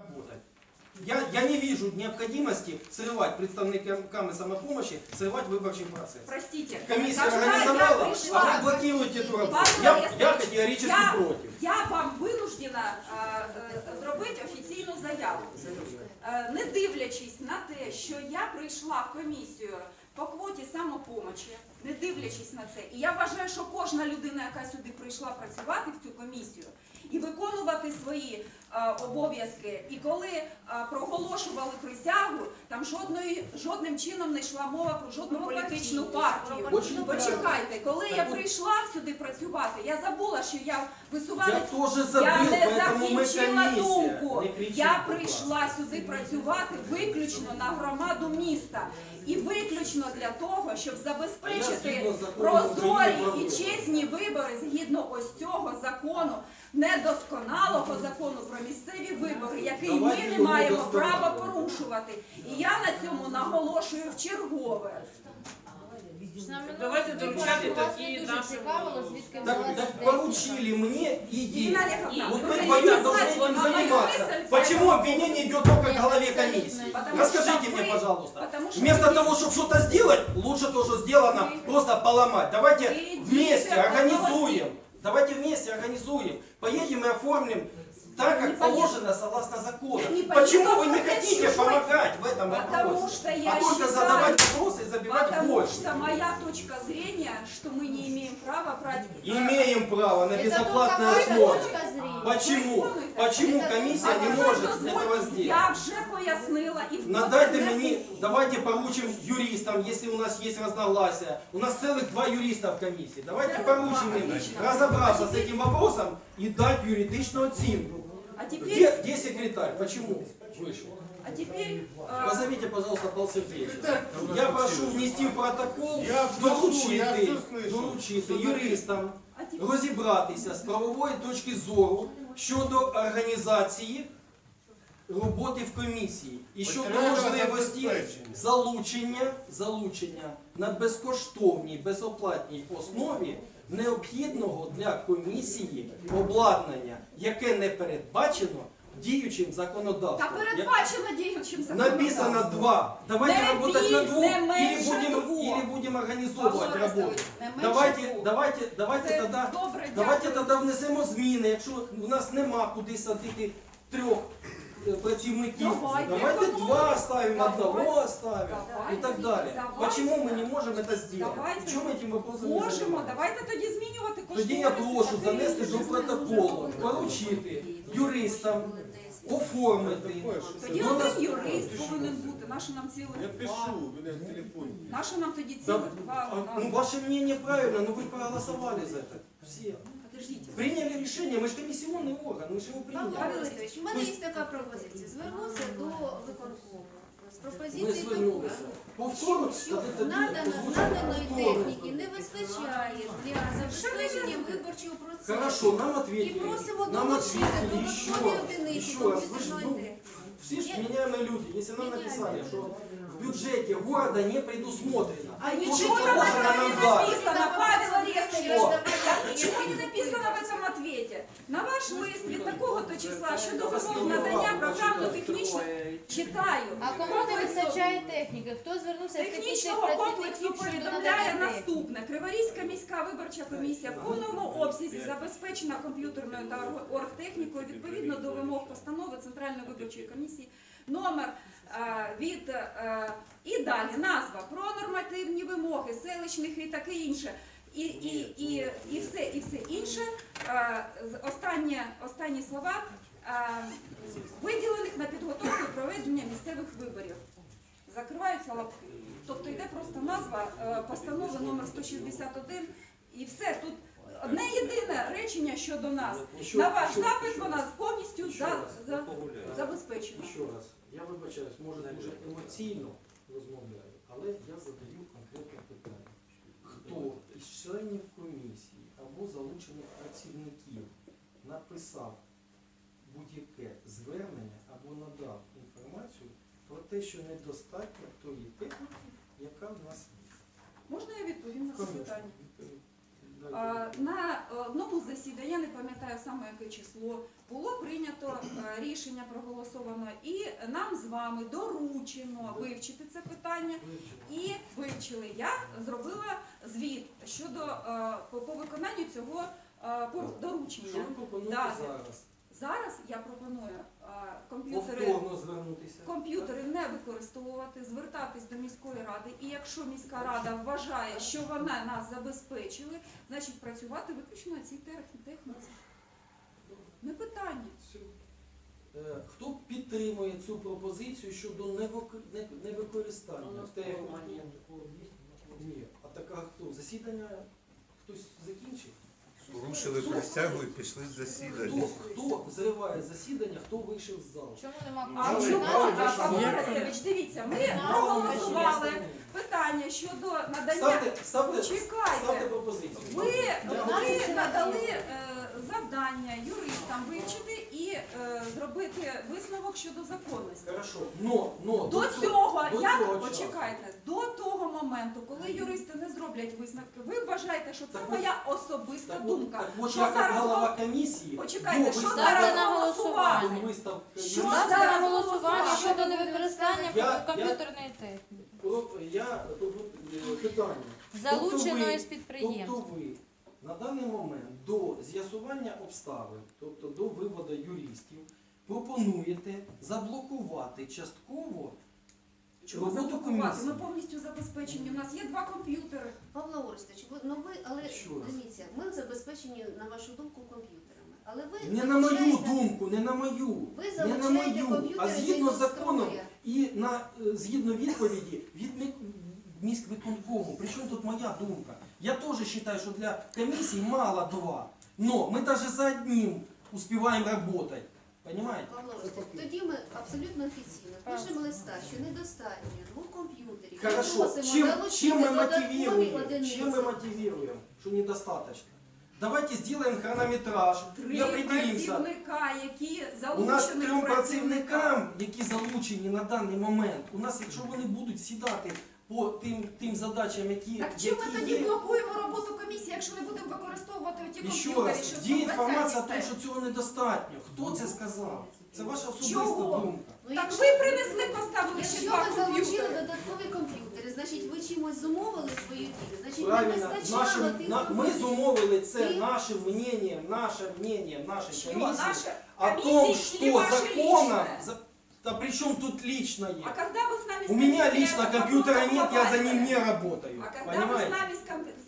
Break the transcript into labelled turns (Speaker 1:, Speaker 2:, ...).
Speaker 1: работать. Я не вижу необходимости срывать представниками самопомощи, срывать выборчий процесс.
Speaker 2: Простите,
Speaker 1: Комиссия
Speaker 2: когда я
Speaker 1: организовала,
Speaker 2: пришла-
Speaker 1: а вы блокируете эту работу.
Speaker 2: Павло
Speaker 1: Я
Speaker 2: Олексійович,
Speaker 1: категорически против.
Speaker 2: Я вам винуждена зробити офіційну заяву. Не дивлячись на те, що я прийшла в комісію по квоті самопомочі, не дивлячись на це, і я вважаю, що кожна людина, яка сюди прийшла працювати в цю комісію і виконувати свої обов'язки, і коли проголошували присягу, там жодним чином не йшла мова про жодну політичну партію. Почекайте, коли я прийшла сюди працювати, я забула, що я висувалась,
Speaker 1: Я тоже забыл,
Speaker 2: я не
Speaker 1: поэтому мы
Speaker 2: закінчила
Speaker 1: комиссия.
Speaker 2: думку.
Speaker 1: Не кричіть,
Speaker 2: Я
Speaker 1: будь
Speaker 2: прийшла сюди працювати виключно на громаду міста. І виключно для того, щоб забезпечити
Speaker 1: згідно з законом
Speaker 2: прозорі
Speaker 1: України
Speaker 2: і
Speaker 1: про
Speaker 2: чесні вибори згідно ось цього закону, недосконалого закону про місцеві вибори, який
Speaker 1: Давайте
Speaker 2: ми не
Speaker 1: його
Speaker 2: маємо
Speaker 1: досконало.
Speaker 2: права порушувати. І я на цьому наголошую вчергове.
Speaker 3: Давайте доручати такі наші...
Speaker 1: Так поручили мне идею.
Speaker 2: Ирина Олеговна,
Speaker 1: Вот
Speaker 2: вы
Speaker 1: мы
Speaker 2: хотите
Speaker 1: вдвоем должны
Speaker 2: знать
Speaker 1: этим
Speaker 2: мою
Speaker 1: заниматься.
Speaker 2: мысль,
Speaker 1: Почему
Speaker 2: поэтому-
Speaker 1: обвинение идет только к голове комиссии?
Speaker 2: Потому
Speaker 1: Расскажите
Speaker 2: что
Speaker 1: мне,
Speaker 2: вы-
Speaker 1: пожалуйста.
Speaker 2: потому что
Speaker 1: Вместо
Speaker 2: вы-
Speaker 1: того, чтобы что-то сделать, лучше то, что сделано,
Speaker 2: Вы-
Speaker 1: просто поломать. Давайте
Speaker 2: Вы
Speaker 1: вместе
Speaker 2: идите,
Speaker 1: организуем. Давайте вместе организуем. Поедем и оформим так,
Speaker 2: Не
Speaker 1: как
Speaker 2: поедем.
Speaker 1: положено согласно закону.
Speaker 2: Не
Speaker 1: Почему
Speaker 2: поедем,
Speaker 1: вы не
Speaker 2: это
Speaker 1: хотите
Speaker 2: чужой.
Speaker 1: помогать в этом
Speaker 2: Потому
Speaker 1: вопросе?
Speaker 2: что я
Speaker 1: А только
Speaker 2: считаю-
Speaker 1: задавать вопросы и забивать
Speaker 2: Потому
Speaker 1: больше.
Speaker 2: что моя точка зрения, что мы не имеем права брать...
Speaker 1: Имеем право на безоплатной
Speaker 4: Это только
Speaker 1: основе.
Speaker 4: точка зрения.
Speaker 1: Почему? Почему комиссия не может этого сделать?
Speaker 2: Я вже пояснила і
Speaker 1: Надайте мені, давайте поручим юристам, если у нас есть разногласия. У нас целых 2 юриста в комиссии. Давайте поручим им разобраться с этим вопросом и дать юридичную оценку.
Speaker 2: А теперь,
Speaker 1: Где секретарь? Почему вышел?
Speaker 2: а теперь
Speaker 1: Позовите, пожалуйста, Павла Сергеевича. Я прошу внести в протокол,
Speaker 5: Я вношу, я все слышу.
Speaker 1: доручити юристам
Speaker 2: а теперь
Speaker 1: розібратися з правової точки зору щодо організації роботи в комісії і щодо
Speaker 5: Матеріального
Speaker 1: можливості
Speaker 5: забезпечення.
Speaker 1: залучення на безкоштовній, безоплатній основі необхідного для комісії обладнання, яке не передбачено діючим
Speaker 2: та
Speaker 1: законодавством.
Speaker 2: передбачено діючим
Speaker 1: Написано
Speaker 2: законодавством.
Speaker 1: 2. Давайте
Speaker 2: Не
Speaker 1: работать на 2
Speaker 2: не менше
Speaker 1: или
Speaker 2: двох.
Speaker 1: будем
Speaker 2: Павло
Speaker 1: организовывать работу.
Speaker 2: Олексійович, не менше
Speaker 1: Давайте
Speaker 2: Це
Speaker 1: тогда,
Speaker 2: добре,
Speaker 1: давайте
Speaker 2: дякую.
Speaker 1: тоді внесемо зміни, якщо у нас нема куди садити 3 працівників. Давайте 2 оставим, одного оставим и так далее.
Speaker 2: Давайте.
Speaker 1: Почему мы не можем это сделать?
Speaker 2: Давайте.
Speaker 1: В чем этим вопросом не
Speaker 2: Можемо,
Speaker 1: занимаемся?
Speaker 2: давайте тоді змінювати кошторис.
Speaker 1: Тоді я прошу занести до протоколу, поручити юристам оформити.
Speaker 2: Тоді
Speaker 1: до нас-
Speaker 2: один юрист повинен бути. Нащо нам цілих
Speaker 5: Я
Speaker 2: два?
Speaker 5: пишу, у меня в телефоне.
Speaker 2: Нащо нам тоді
Speaker 1: Да,
Speaker 2: цілих два?
Speaker 1: ну, ваше мнение правильно, но вы проголосовали за это. Все.
Speaker 2: Подождите.
Speaker 1: Приняли решение, мы же комиссионный орган, мы же его приняли.
Speaker 4: Павло Олексійович, у мене є така пропозиція. Звернутися до виконкому з
Speaker 1: Ми
Speaker 4: пропозицією такою.
Speaker 1: звернулися. Повторно,
Speaker 4: Що наданої техніки не вистачає для забезпечення виборчого процесу.
Speaker 1: Хорошо, нам
Speaker 4: І
Speaker 1: ответили.
Speaker 4: просимо
Speaker 1: Нам
Speaker 4: долучити
Speaker 1: ответили еще
Speaker 4: додаткові
Speaker 1: раз.
Speaker 4: одиниці
Speaker 1: Еще раз. Вы же,
Speaker 4: комп'ютерної
Speaker 1: ну,
Speaker 4: техніки.
Speaker 1: все же меняемые люди. Если нам написали, что в бюджете города не предусмотрено,
Speaker 2: А
Speaker 1: то, что
Speaker 2: ничего там
Speaker 1: положено
Speaker 2: не
Speaker 1: нам дать.
Speaker 2: написано, Павел Олегович.
Speaker 1: Что?
Speaker 2: Ничего не написано в этом ответе. На ваш лист від такого-то числа щодо вимог надання програмно-технічного читаю.
Speaker 4: А кому не вистачає техніки? Хто звернувся з
Speaker 2: Технічного
Speaker 4: технічних
Speaker 2: комплексу
Speaker 4: працівників щодо
Speaker 2: повідомляє
Speaker 4: надання техніки?
Speaker 2: наступне. Криворізька міська виборча комісія в повному обсязі забезпечена комп'ютерною та оргтехнікою відповідно до вимог постанови Центральної виборчої комісії номер і далі назва про нормативні вимоги селищних і таке інше. І все інше, останні слова, виділених на підготовку і проведення місцевих виборів. Закриваються лапки. Тобто йде просто назва постанови номер 161 і все. Тут одне єдине речення щодо нас. На ваш запит вона повністю забезпечена.
Speaker 1: Ще раз, я вибачаюсь, може дуже емоційно розмовляю, але я задаю конкретне питання. Хто із членів комісії або залучених працівників написав будь-яке звернення або надав інформацію про те, що недостатньо тої техніки, яка в нас є?
Speaker 2: Можна я відповім на це
Speaker 1: Конечно.
Speaker 2: питання? На одному засіданні, я не пам'ятаю саме яке число, було прийнято рішення проголосовано, і нам з вами доручено вивчити це питання. І вивчили. Я зробила звіт щодо по виконанню цього
Speaker 1: Що
Speaker 2: доручення.
Speaker 1: ви пропонуєте
Speaker 2: Да.
Speaker 1: зараз?
Speaker 2: Зараз я пропоную
Speaker 1: Повторно звернутися.
Speaker 2: комп'ютери не використовувати, звертатись до міської ради. І якщо міська рада вважає, що вона нас забезпечили, значить працювати виключно на цій техніці. Не питання.
Speaker 1: Хто підтримує цю пропозицію щодо невикористання техніки? Ні. А така хто? Засідання хтось закінчив?
Speaker 3: Порушили присягу і пішли з засідання.
Speaker 1: Хто зриває засідання, хто вийшов з залу?
Speaker 4: Чому нема
Speaker 2: А
Speaker 4: кворуму?
Speaker 2: чому,
Speaker 1: Чому?
Speaker 2: Орестович, дивіться, ми проголосували питання щодо надання.
Speaker 1: Ставте
Speaker 2: Чекайте.
Speaker 1: пропозицію.
Speaker 2: Ви надали завдання юристам вивчити і зробити висновок щодо законності.
Speaker 1: Хорошо. Но
Speaker 2: До цього,
Speaker 1: до
Speaker 2: як
Speaker 1: цього часу.
Speaker 2: почекайте, до того моменту, коли юристи не зроблять висновки, ви вважаєте, що це
Speaker 1: Так
Speaker 2: моя особиста
Speaker 1: Так
Speaker 2: думка.
Speaker 1: от,
Speaker 2: Що
Speaker 1: я як
Speaker 2: зараз
Speaker 1: голова комісії,
Speaker 2: Почекайте,
Speaker 1: до
Speaker 2: що
Speaker 1: виставки-
Speaker 2: зараз
Speaker 4: на
Speaker 2: голосувати?
Speaker 1: до виставки
Speaker 2: Що
Speaker 1: юристів,
Speaker 4: Ставте на
Speaker 2: зараз
Speaker 4: голосування
Speaker 2: голосувати?
Speaker 4: щодо невикористання
Speaker 1: Я-
Speaker 4: комп'ютерної техніки,
Speaker 1: я питання.
Speaker 4: залученої з
Speaker 1: Тобто
Speaker 4: підприємств.
Speaker 1: ви на даний момент до з'ясування обставин, тобто до виводу юристів, пропонуєте заблокувати частково
Speaker 2: Чому
Speaker 1: роботу
Speaker 2: заблокувати? Ми
Speaker 1: комісії.
Speaker 2: повністю забезпечені. У нас є 2 комп'ютери.
Speaker 6: Павло Орестович, але
Speaker 1: Що раз?
Speaker 6: дивіться, ми забезпечені, на вашу думку, комп'ютерами. Але ви
Speaker 1: Не на мою
Speaker 6: залучаєте-
Speaker 1: думку, не на мою,
Speaker 6: ви
Speaker 1: не на
Speaker 6: залучаєте
Speaker 1: мою, а
Speaker 6: комп'ютери
Speaker 1: згідно з законом
Speaker 6: строя.
Speaker 1: і згідно відповіді від міськвиконкому. Причому тут моя думка? Я теж вважаю, що для комісії мало 2. Но мы даже за одним успеваем работать. Понимаете?
Speaker 6: Павло Орестович, тоді ми абсолютно офіційно пишемо листа, що недостатньо 2 комп'ютерів.
Speaker 1: Хорошо.
Speaker 6: Просимо
Speaker 1: Чем
Speaker 6: залучити
Speaker 1: мы
Speaker 6: додаткові
Speaker 1: мотивируем?
Speaker 6: одиниці.
Speaker 1: Чем мы мотивируем, что недостаточно? Давайте сделаем хронометраж и
Speaker 2: 3
Speaker 1: определимся.
Speaker 2: працівника, які
Speaker 1: У нас
Speaker 2: залучені
Speaker 1: 3 працівникам, які залучені на даний момент, у нас, якщо вони будуть сідати по тим задачам, які
Speaker 2: Так чим ми тоді
Speaker 1: є,
Speaker 2: блокуємо роботу комісії, якщо не будемо використовувати ті
Speaker 1: і ще
Speaker 2: комп'ютери,
Speaker 1: раз,
Speaker 2: що
Speaker 1: є інформація,
Speaker 2: стоять?
Speaker 1: що цього недостатньо. Хто це сказав? Це ваша особиста
Speaker 2: Чого?
Speaker 1: думка.
Speaker 6: Ну,
Speaker 2: Так
Speaker 6: якщо-
Speaker 2: ви принесли, поставили ще
Speaker 6: Якщо
Speaker 2: 2
Speaker 6: ви залучили
Speaker 2: комп'ютери.
Speaker 6: додаткові комп'ютери, значить ви чимось зумовили свою дію, значить не
Speaker 1: Правильно,
Speaker 6: вистачало тих
Speaker 1: ми
Speaker 6: комп'ютерів.
Speaker 1: зумовили це
Speaker 6: Ти-
Speaker 1: нашим мнением нашей
Speaker 2: Що
Speaker 1: комиссии
Speaker 2: наше
Speaker 1: о
Speaker 2: комиссии
Speaker 1: том,
Speaker 2: или
Speaker 1: что
Speaker 2: ваше
Speaker 1: законом...
Speaker 2: личное?
Speaker 1: Да при чем тут личное?
Speaker 2: А когда вы с нами
Speaker 1: У меня
Speaker 2: комиссией
Speaker 1: лично
Speaker 2: этот
Speaker 1: компьютера
Speaker 2: вопрос
Speaker 1: нет, я за ним
Speaker 2: обговаривали?
Speaker 1: не работаю.
Speaker 2: А когда вы с
Speaker 1: Понимаете?
Speaker 2: нами